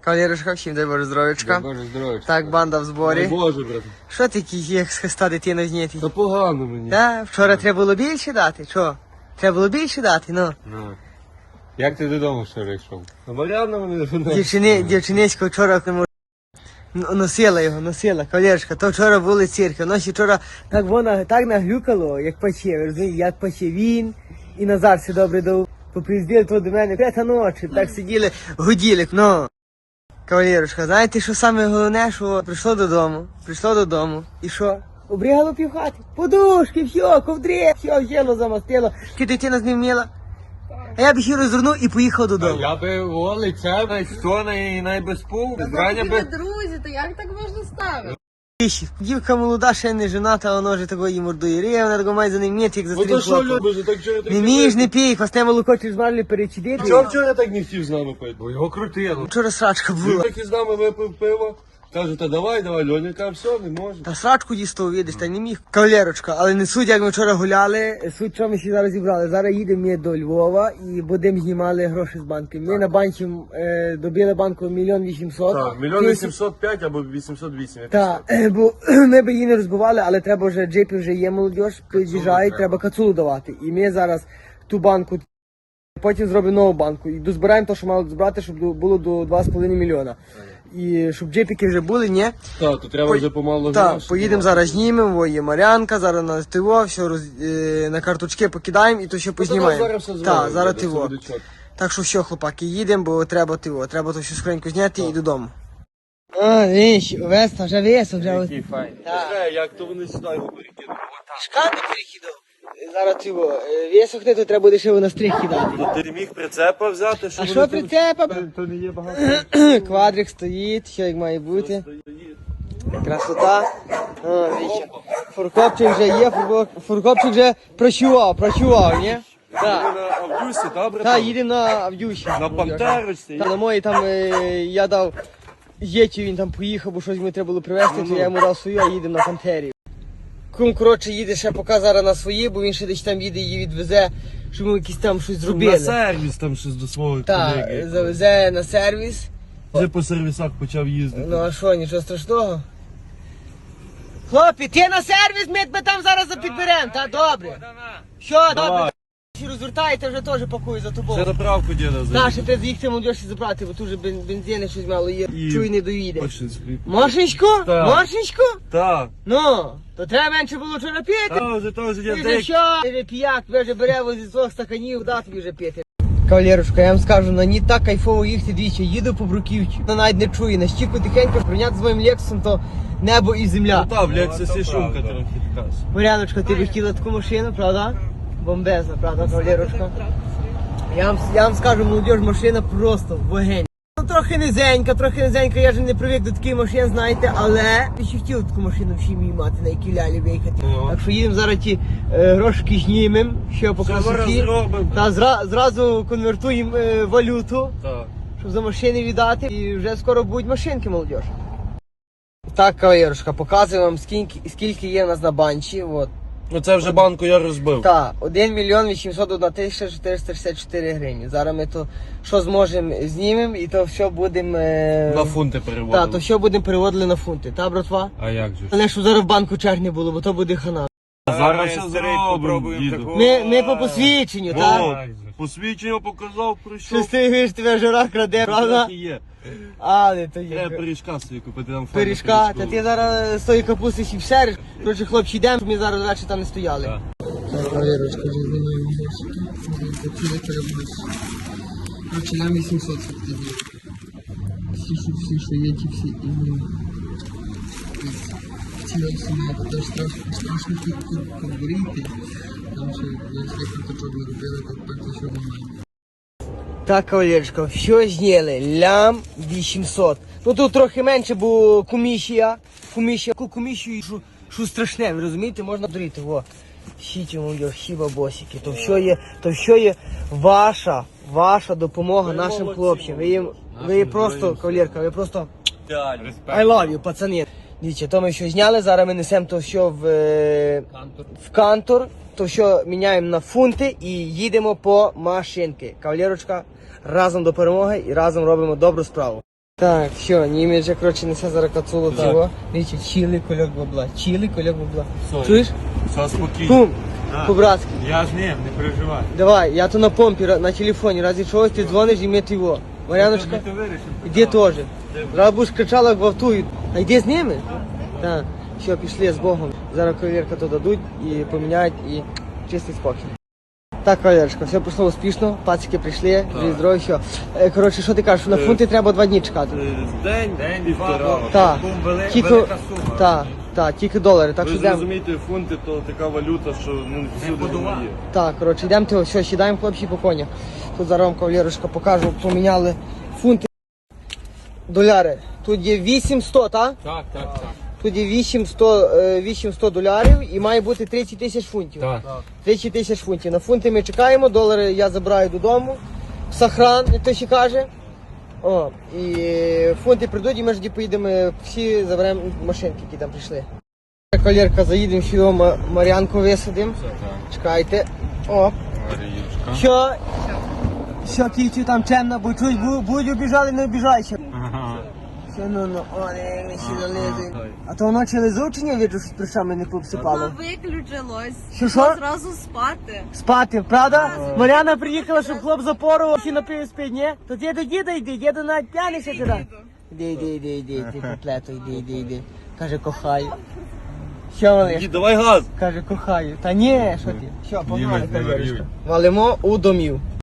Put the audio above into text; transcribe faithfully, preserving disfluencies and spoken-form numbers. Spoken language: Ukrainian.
Кавалерушка, всім дай Боже здоров'ячка. Дай Боже здоров'ячка. Так, банда в зборі. Дай Боже, брат. Що ти як з хреста дитина знятий? Та погано мені. Та, вчора треба було більше дати, що? Треба було більше дати, ну. Ну. Як ти додому вчора йшов? На Мар'яна мене не Дівчини, дівчиниська вчора не може. Носила його, носила, кавалерушка. То вчора були цирки. Ночі вчора так вона так наглюкало, як паче, ви розумієте, як паче він і Назар все добре дав. Поприїздили то до мене, п'ята ночі, так сиділи, гуділи, ну. Кавалерушка, знаєте, що саме головне, що прийшло додому, прийшло додому, і що? Обрігало півхати, подушки, все, ковдри, все, взяло, замастило, чи дитина з ним вміла. А я б їх розвернув і поїхав додому. Я би о, лице, найстона і найбезпул. Зрання Ви би... друзі, то як так можна ставити? Віщі, дівка молода, ще не жената, а воно вже такої мордує. Рє, вона такого має за ним м'яти, як за Ну то старим що хлопцем. любиш, так чого ти... Не між, не пій, квасне молоко через марлі перечидити. Чого вчора так не хотів з нами пити? Бо його крутило. Вчора срачка Він була. так і з нами випив пиво. Каже, та давай, давай, Льоня каже, все, не може. Та срачку дістав, видиш, та не міг. Кавалерочка, але не суть, як ми вчора гуляли, суть, що ми ще зараз зібрали. Зараз їдемо ми до Львова і будемо знімали гроші з банки. Ми на банці е, добили банку мільйон вісімсот. Так, мільйон вісімсот п'ять або вісімсот вісім. Так, бо ми б її не розбивали, але треба вже джипі вже є молодіж, під'їжджають, треба кацулу давати. І ми зараз ту банку, потім зробимо нову банку. І дозбираємо те, що мали збирати, щоб було до два з половиною мільйона. І щоб джипіки вже були, ні? Так, то треба вже помалу Так, гроші. поїдемо зараз знімемо, во є Мар'янка, зараз на ТВО, все роз, е, на карточки покидаємо і то ще познімаємо. зараз все Так, зробимо, зараз буде, ТВО. все буде чітко. Так що все, хлопаки, їдемо, бо треба ТВО. Треба то всю скриньку зняти і додому. А, віщ, Веста, вже весо, вже. Який файний. Скажи, як то вони сюди його перекинули? Шкади перекидав. Зараз ТВО. Весохне, то треба буде ще на стріх кидати. То ти міг прицепа взяти? А що прицепа? То не є багато. Квадрик стоїть, що як має бути. Красота. О, віща. Фуркопчик вже є, фурко- фуркопчик вже прощував, прощував, ні? Так. На Авдюсі, добре? Та, їдемо на Авдюші. На Пантерочці. Та, на моїй там е, я дав Єчі, він там поїхав, бо щось йому треба було привезти, то я йому дав свою, а їдемо на Пантері. Кум, коротше, їде ще поки зараз на свої, бо він ще десь там їде, її відвезе, щоб ми якісь там щось На зробили. сервіс там щось до свого Так, колеги. завезе на сервіс. Вже по сервісах почав їздити. Ну а що, нічого страшного? Хлопці, ти на сервіс, ми тебе там зараз підберемо, та добре. Що, добре? Давай. Всі розвертаєте, вже теж пакую за Вже тобою. заправку діда Та, за. ще ти з'їхати молодіж забрати, бо тут вже бен- бензини щось мало є. І- Чуй, не доїде. Пашинський. Машечку? Так. Машечку? Так. Ну, то треба менше було вчора пити. Та вже то вже Ти я вже деякі. що? Ти вже п'як, тебе вже бере возі двох стаканів, да тобі вже пити. Кавалерушка, я вам скажу, на ній так кайфово їхати двічі, їду по Бруківці. Вона навіть не чує, на щіку тихенько прийняти з моїм Лексусом, то небо і земля. Ну та, блядь, це всі шумка трохи така. Мар'яночка, ти б хотіла таку машину, правда? Бомбезна, правда, кавалерушка? Я вам, я вам скажу, молодіж, машина просто вогень. Ну, трохи низенька, трохи низенька, я ж не привик до таких машин, знаєте, але я ще хотів таку машину в сім'ї мати, на якій лялі виїхати. Ну. Так що їдемо зараз ті е, грошики знімемо, що по Все зараз красоті. зробимо. Та зра, зразу конвертуємо е, валюту, Так. щоб за машини віддати. І вже скоро будуть машинки, молодіж. Так, кавалерушка, показую вам, скільки, скільки є в нас на банчі. От. Ну це вже банку я розбив. Так, один мільйон вісімсот одна тисяча чотириста шістдесят чотири гривні. Зараз ми то, що зможемо, знімемо і то все будемо... Е... На фунти переводили. Так, то все будемо переводили на фунти, та, братва? А як же? Але щоб зараз в банку черг не було, бо то буде хана. Зараз все зробимо, діду. Ми, ми по посвідченню, О, так? посвідчення показав, Що прийшов. ти виш, тебе жора краде, правда? Так і є. Але то є. Треба пиріжка собі купити, там файно Пиріжка, та пиріжку. ти зараз з тої капусти ще всериш. Коротше, хлопці, йдемо, щоб ми зараз ввечері там не стояли. Так. Валерочка, вже знімаємо гості. Коротше, нам вісімсот все-таки. Всі, що, всі, що є, ті всі. Хотіла сама, теж страшно, страшно конкурити. Там ще я свій карточок не робила, так так що немає. Так, кавалерочка, все зняли, лям вісімсот. Ну тут трохи менше, бо комісія, комісія, яку комісію, що, що страшне, ви розумієте, можна дурити, во. Сіті, молодь, всі бабосики, то все є, то все є ваша, ваша допомога Ви нашим молодці, хлопцям. Ви їм, ви їм просто, героям. кавалерка, ви просто Респект. I love you, пацани. Дивіться, то ми що зняли, зараз ми несемо то все в, е, в кантор, то що міняємо на фунти і їдемо по машинки. Кавалерочка, разом до перемоги і разом робимо добру справу. Так, все, німець вже, коротше, несе зараз кацулу цього. Дивіться, чили кольок бабла, чили кольок бабла. Сорі. Чуєш? Все спокійно. Кум, Так. по-братськи. Я з ним, не переживай. Давай, я то на помпі, на телефоні, разі чогось ти дзвониш і ми його. Мар'яночка, Ми то вирішимо. іди теж. Зараз будеш кричала, як вовтують. А йди з ними? Так. Все, пішли з Богом. Зараз кавалерка то дадуть і поміняють, і чистий спокій. Так, кавалерочка, все пройшло успішно, пацики прийшли, живі здорові, все. Е, Коротше, що ти кажеш, на фунти треба два дні чекати. День, День, півтора. два, Так, Бум, вели- тільки, велика сума. так, так, тільки долари, так Ви що ж йдемо. розумієте, фунти то така валюта, що ну, всюди подула. вона є. Так, коротше, йдемо, того, все, сідаємо хлопці по конях. Тут зараз вам кавалерочка покажу, поміняли фунти, доляри. Тут є вісімсот, так? Так, так, так. Тут є вісімсот, е, вісімсот долярів і має бути тридцять тисяч фунтів. Так. тридцять тисяч фунтів. На фунти ми чекаємо, долари я забираю додому. В Сахран, як то ще каже. О, і фунти прийдуть, і ми ж тоді поїдемо, всі заберемо машинки, які там прийшли. Колірка, заїдемо сюди, Ма- Мар'янку висадимо. Чекайте. О, Маріючка. що? Що, ківцю там темно, бо чуть бу- будь обіжали, не обіжайся. Ага. Що, ну, ну, о, не, не сильно лезуть. А то воно чи лизуть, чи ні, видно, що з прищами не пообсипало? Воно виключилось. Що, що? Зразу спати. Спати, правда? Мар'яна приїхала, щоб хлоп запорував, всі напив спить, ні? То ти до діда йди, діда навіть п'яний ще туди. Іди, іди, іди, іди, ти котлету, іди, іди, іди. Каже, кохаю. Що, малиш? Дід, давай газ! Каже, кохаю. Та ні, що ти? Що, погнали, Німець не кавалерочка. варюй. Валимо у домів.